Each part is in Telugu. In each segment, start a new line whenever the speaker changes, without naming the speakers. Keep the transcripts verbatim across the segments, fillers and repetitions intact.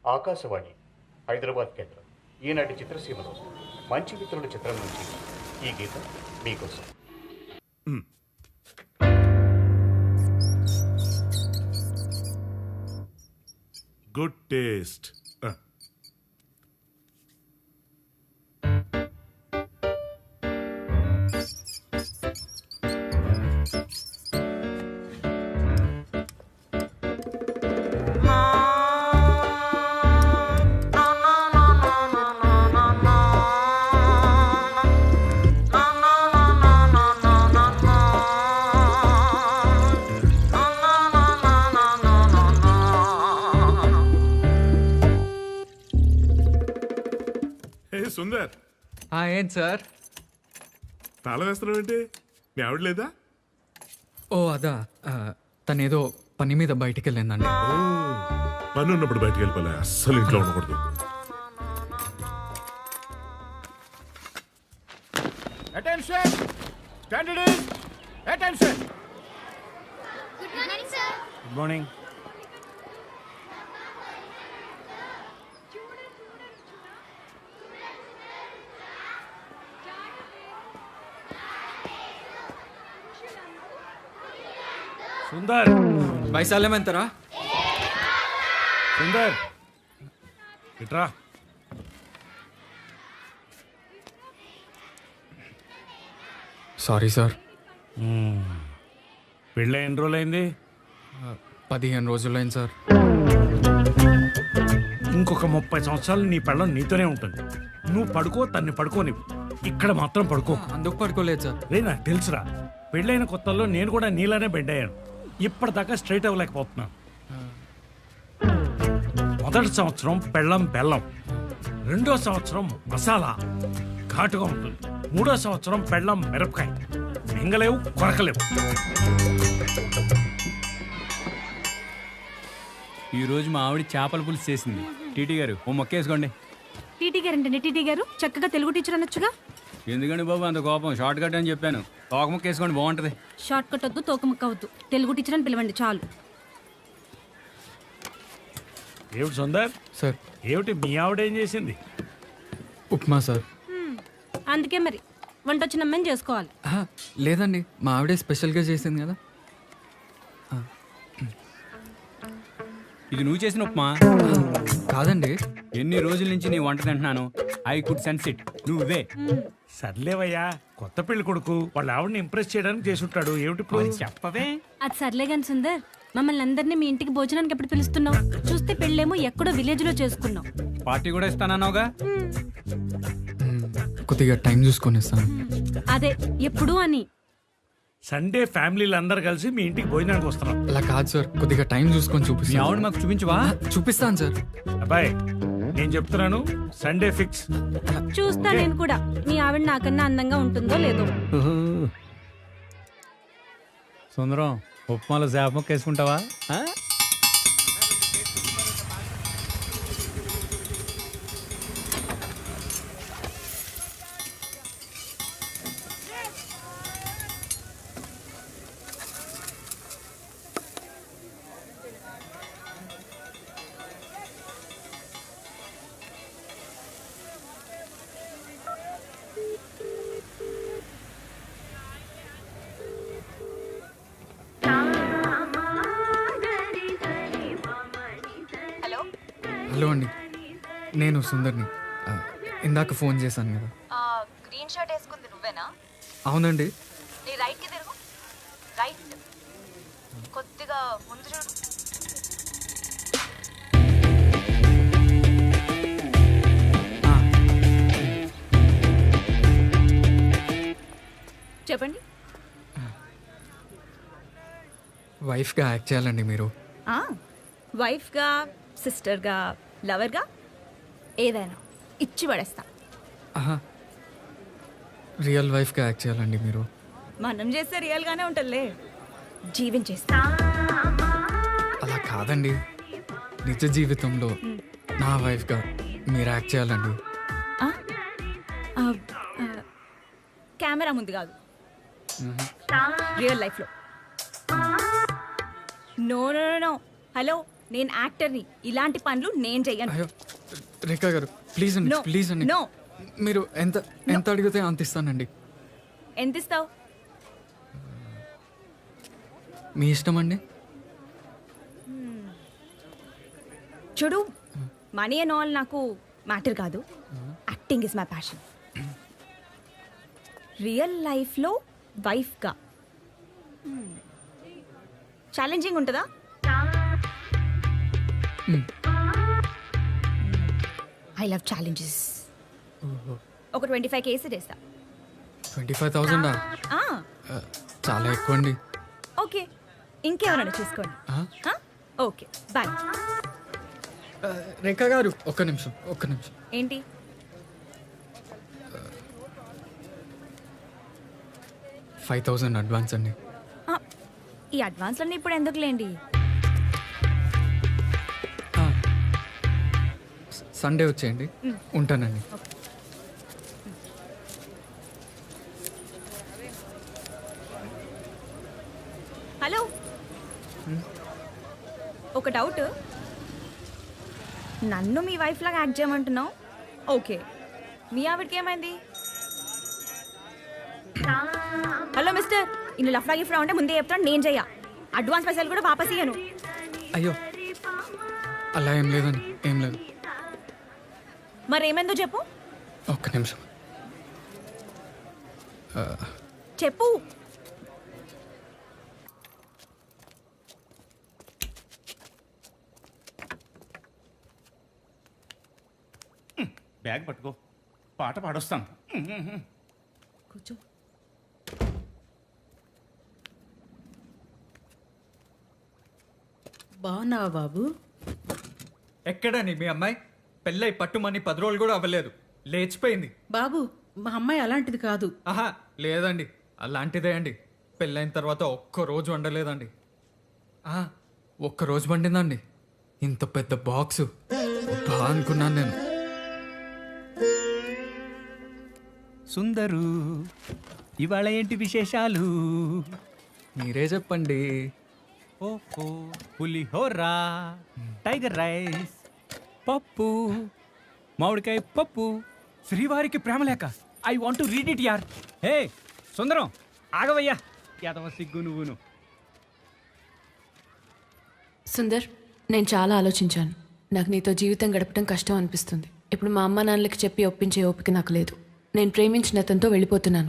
ఆకాశవాణి హైదరాబాద్ కేంద్రం ఈనాటి చిత్రసీమలో మంచి మిత్రుల చిత్రం నుంచి ఈ గీతం మీకోసం.
Good taste. సుందర్,
ఏంటి సార్
తాళం వేస్తున్నావు ఏంటి? మీ ఆవిడ లేదా?
ఓ అదా, తనేదో పని మీద బయటికి వెళ్ళిందండి.
పని ఉన్నప్పుడు బయటికి వెళ్ళిపోలే, అస్సలు ఇంట్లో ఉండకూడదు.
Attention! Candidates! Attention!
Good morning, sir.
Good morning. Sundar,
వైశాల్యం ఎంతరా?
సుందర్ ఇట్రా.
Sorry sir.
పెళ్ళి ఎన్ని రోజులు అయింది?
పదిహేను రోజులైంది సార్.
ఇంకొక ముప్పై సంవత్సరాలు నీ పెళ్ళం నీతోనే ఉంటుంది. నువ్వు పడుకో, తన్ని పడుకోని, ఇక్కడ మాత్రం పడుకో.
అందుకు పడుకోలేదు సార్.
రే, నాకు తెలుసురా, పెళ్ళైన కొత్తల్లో నేను కూడా నీలానే బెడ్ అయ్యాను. ఇప్పటిదాకా స్ట్రైట్ అవ్వలేకపోతున్నాను. మొదటి సంవత్సరం పెళ్ళం బెల్లం, రెండో సంవత్సరం మసాలా ఘాటుగా ఉంటుంది, మూడో సంవత్సరం పెళ్ళం మిరపకాయ, మింగలేవు కొరకలేవు.
ఈరోజు మా ఆవిడ చేపల పులుసు చేసింది. టీటీ గారు ఓ మొక్కేసుకోండి.
టీటీ గారు అంటే టీటీ గారు చక్కగా తెలుగు టీచర్ అనొచ్చుగా.
ఎందుకండి బాబు అంత కోపం? షార్ట్ కట్ అని చెప్పాను. తోక ముక్కేసుకోండి, బాగుంటది.
షార్ట్ కట్ వద్దు, తోక ముక్క వద్దు, తెలుగు టీచర్ అని పిలవండి చాలు.
ఏమిటి సుందర్
సార్,
ఏమిటి మీ ఆవిడ ఏం చేసింది?
ఉప్మా సార్.
అందుకే మరి వంట వచ్చిన అమ్మాయిని చేసుకోవాలి.
ఆహా, లేదండి, మా ఆవిడే స్పెషల్గా చేసింది కదా.
ఇది నువ్వు చేసిన ఉప్మా
కాదండి.
ఎన్ని రోజుల నుంచి నీ వంట తింటున్నాను. I could sense it. నువ్వే
సర్లేవయ్యా, కొత్త పెళ్లి కొడుకు వాళ్ళ ఆవిడని ఇంప్రెస్ చేయడానికి చేసుంటాడు. ఏమిటి ఇప్పుడు?
చెప్పవే.
అది సర్లే గాని సుందర్, మమ్మల్ని అందరినీ మీ ఇంటికి భోజనానికి ఎప్పుడు పిలుస్తున్నావు? చూస్తే పెళ్ళేమో ఎక్కడో విలేజ్ లో చేసుకున్నావు.
పార్టీ కూడా ఇస్తానన్నావుగా.
కొద్దిగా టైం చూసుకొని ఇస్తాను.
అదే ఎప్పుడు అని.
సండే ఫ్యామిలీలు అందరు కలిసి మీ ఇంటికి భోజనానికి వస్తున్నాం.
అలా కాదు సార్, కొద్దిగా టైం చూసుకొని
మీ
చూపిస్తాను.
ఆవిడ మాకు చూపించవా?
చూపిస్తాను సార్.
అబ్బాయి, నేను చెప్తున్నాను, సండే ఫిక్స్.
చూస్తా నేను కూడా, నీ ఆవిడ నాకన్నా అందంగా ఉంటుందో లేదో.
సుందరం, ఉప్మాలో చేప ముక్క వేసుకుంటావా?
హలో అండి, నేను సుందర్ని. ఆ, ఇందాక ఫోన్ చేశాను కదా.
గ్రీన్ షర్ట్ వేసుకుంది నువ్వేనా?
అవునండి.
నీ రైట్ కి తిరుగు. రైట్, కొద్దిగా ముందు చూడు.
చెప్పండి.
వైఫ్గా యాక్ట్ చేయాలండి మీరు.
వైఫ్గా, సిస్టర్గా, లవర్గా, ఏదైనా ఇచ్చి పడేస్తా.
ఆహా, రియల్ వైఫ్గా యాక్ట్ చేయాలండి మీరు.
మనం చేస్తే రియల్గానే ఉంటుందిలే, జీవించేస్తా.
అలా కాదండి, నిజ జీవితంలో నా వైఫ్గా మీరు యాక్ట్ చేయాలండి.
కెమెరా ముందు కాదు, రియల్ లైఫ్లో. నో నో నో హలో, నేను యాక్టర్ని, ఇలాంటి పనులు నేను చెయ్యను.
అయ్యో రేఖా గారు ప్లీజ్ అండి
No.
ప్లీజ్ అండి
No.
మీరు ఎంత ఎంత అడిగితే అంత ఇస్తానండి.
ఎంత ఇస్తావు?
మీ ఇష్టం అండి.
చూడు, మనీ అండ్ ఆల్ నాకు మ్యాటర్ కాదు. Acting is my passion. Real లైఫ్లో వైఫ్గా ఛాలెంజింగ్ ఉంటుందా? I love challenges. ఒక ట్వంటీ ఫైవ్ కేసీ చేస్తా.
ట్వంటీ ఫైవ్ థౌజండా? చాలా ఎక్కువ అండి.
ఓకే, ఇంకెవరైనా చూసుకోండి.
ఆ?
Okay, bye.
ఆ, రేఖా గారు ఒక్క నిమిషం ఒక్క నిమిషం.
ఏంటి?
ఫైవ్ థౌజండ్ అడ్వాన్స్ అండి.
ఆ, ఈ అడ్వాన్స్లన్నీ ఇప్పుడు ఎందుకులేండి?
సండే వచ్చేయండి. ఉంటానండి.
హలో, ఒక డౌట్. నన్ను మీ వైఫ్ లాగా యాక్ట్ చేయమంటున్నావు, ఓకే. మీ ఆవిడకి ఏమైంది? హలో మిస్టర్, ఇన్ని లఫ్లా గిఫ్లా ఉంటే ముందే చెప్తాను, నేను చెయ్య. అడ్వాన్స్ పైసలు కూడా వాపస్ ఇయ్యను.
అయ్యో అలా ఏం లేదండి, ఏం లేదు.
మరేమైందో చెప్పు.
ఒక్క నిమిషం.
చెప్పు.
బ్యాగ్ పట్టుకో, పాట పాడొస్తాను.
కూర్చో.
బాగున్నావా బాబు?
ఎక్కడండి మీ అమ్మాయి? పెళ్ళై పట్టుమని పది రోజులు కూడా అవ్వలేదు, లేచిపోయింది.
బాబు, మా అమ్మాయి అలాంటిది కాదు.
ఆహా లేదండి, అలాంటిదే అండి. పెళ్ళైన తర్వాత ఒక్క రోజు వండలేదండి. ఆహా, ఒక్క రోజు వండిందండి. ఇంత పెద్ద బాక్సు బా అనుకున్నాను నేను.
సుందరు, ఇవాళ ఏంటి విశేషాలు?
మీరే చెప్పండి.
ఓహో, పులిహోరా, టైగర్ రైస్, పప్పు, మామిడికాయ పప్పు, శ్రీవారికి ప్రేమలేఖ. I want to read it యార్. హే సుందరం, ఆగవయ్యా, యాదవ సిగ్గు నువ్వును.
సుందర్, నేను చాలా ఆలోచించాను. నాకు నీతో జీవితం గడపడం కష్టం అనిపిస్తుంది. ఇప్పుడు మా అమ్మ నాన్నలకి చెప్పి ఒప్పించే ఓపిక నాకు లేదు. నేను ప్రేమించిన అతనితో వెళ్ళిపోతున్నాను.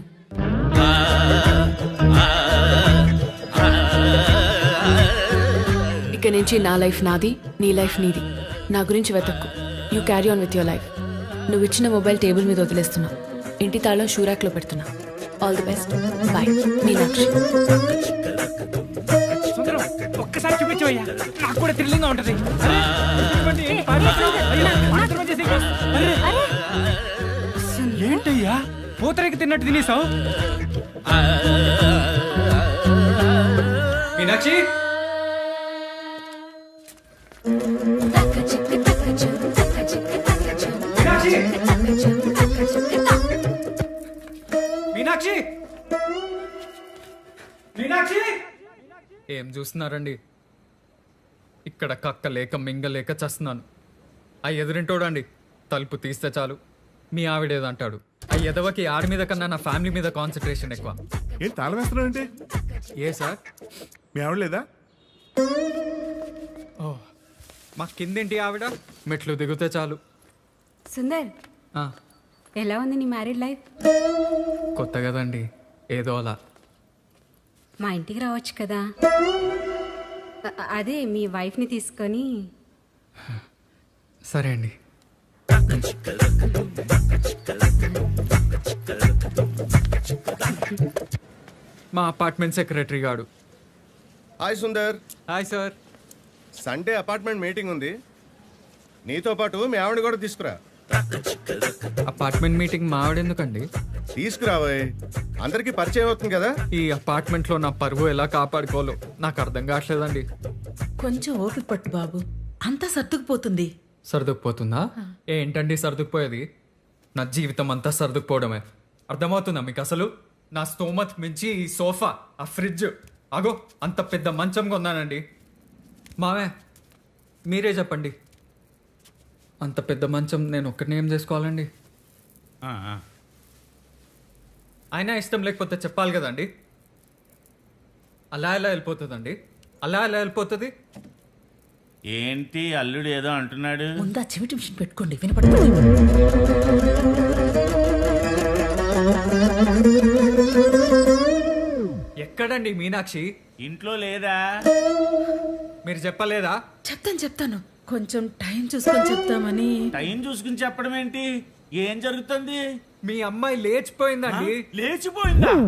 ఇక నుంచి నా లైఫ్ నాది, నీ లైఫ్ నీది. నా గురించి వెతక్కు. You carry on with your life. నువ్వు ఇచ్చిన మొబైల్ టేబుల్ మీద వదిలేస్తున్నా. ఇంటి తాళం షూరాక్లో పెడుతున్నా. All the best. Bye. Meenakshi.
Sundaram, ఒక్కసారి చూపించవయ్యా, నాకు కూడా థ్రిల్లింగ్ గా ఉంటది. ఏంటయ్యా పూతరేకి తిన్నట్టు తినేసావు?
మీనాక్షి, మీనాక్షి, మీనాక్షి, ఏం చూస్తున్నారండి? ఇక్కడ కక్క లేక మింగలేక చస్తున్నాను. ఆ ఎదురింటోడండి తలుపు తీస్తే చాలు మీ ఆవిడేదంటాడు. ఆ ఎదవకి ఆడి మీద కన్నా నా ఫ్యామిలీ మీద కాన్సన్ట్రేషన్ ఎక్కువ.
ఏంటి తాళం వేస్తున్నావు అంటే?
ఏ సార్,
మీ ఆవిడ లేదా?
ఓ మా కిందేంటి ఆవిడ? మెట్లు దిగితే చాలు.
సుందర్,
ఆ,
ఎలా ఉంది నీ మ్యారీడ్ లైఫ్?
కొత్త కదండి, ఏదో అలా.
మా ఇంటికి రావచ్చు కదా. అ- అదే మీ వైఫ్ని తీసుకొని.
సరే అండి. మా అపార్ట్మెంట్ సెక్రటరీ గాడు.
Hi Sundar.
Hi sir.
Sunday apartment meeting ఉంది, నీతో పాటు మీ ఆవిడ కూడా తీసుకురా.
అపార్ట్మెంట్ మీటింగ్ మా ఆవిడ ఎందుకండి?
తీసుకురావోయ్, అందరికీ పరిచయం అవుతుంది కదా.
ఈ అపార్ట్మెంట్లో నా పరువు ఎలా కాపాడుకోవాలో నాకు అర్థం కావట్లేదండి.
కొంచెం ఓపిక పట్టు బాబు, అంతా సర్దుకుపోతుంది.
సర్దుకుపోతుందా? ఏంటండి సర్దుకుపోయేది? నా జీవితం అంతా సర్దుకుపోవడమే. అర్థమవుతుందా మీకు అసలు? నా స్తోమత్ మించి ఈ సోఫా, ఆ ఫ్రిడ్జ్, అగో అంత పెద్ద మంచం కొన్నానండి. మావే మీరే చెప్పండి, అంత పెద్ద మంచం నేను ఒక్కడిని ఏం చేసుకోవాలండి?
ఆ, ఆ.
అయినా ఇష్టం లేకపోతే చెప్పాలి కదండి. అలా ఎలా వెళ్ళిపోతుందండి? అలా ఎలా వెళ్ళిపోతుంది?
ఏంటి అల్లుడు ఏదో అంటున్నాడు?
ముందా చెవిటి మిషన్ పెట్టుకోండి, వినపడుతుంది.
ఎక్కడండి మీనాక్షి?
ఇంట్లో లేదా?
మీరు చెప్పలేదా?
చెప్తాను చెప్తాను, కొంచెం టైం చూసుకొని చెప్తామని.
టైం చూసుకుని చెప్పడం ఏంటి? ఏం జరుగుతుంది?
మీ అమ్మాయి లేచిపోయిందండి.
లేచిపోయిందా?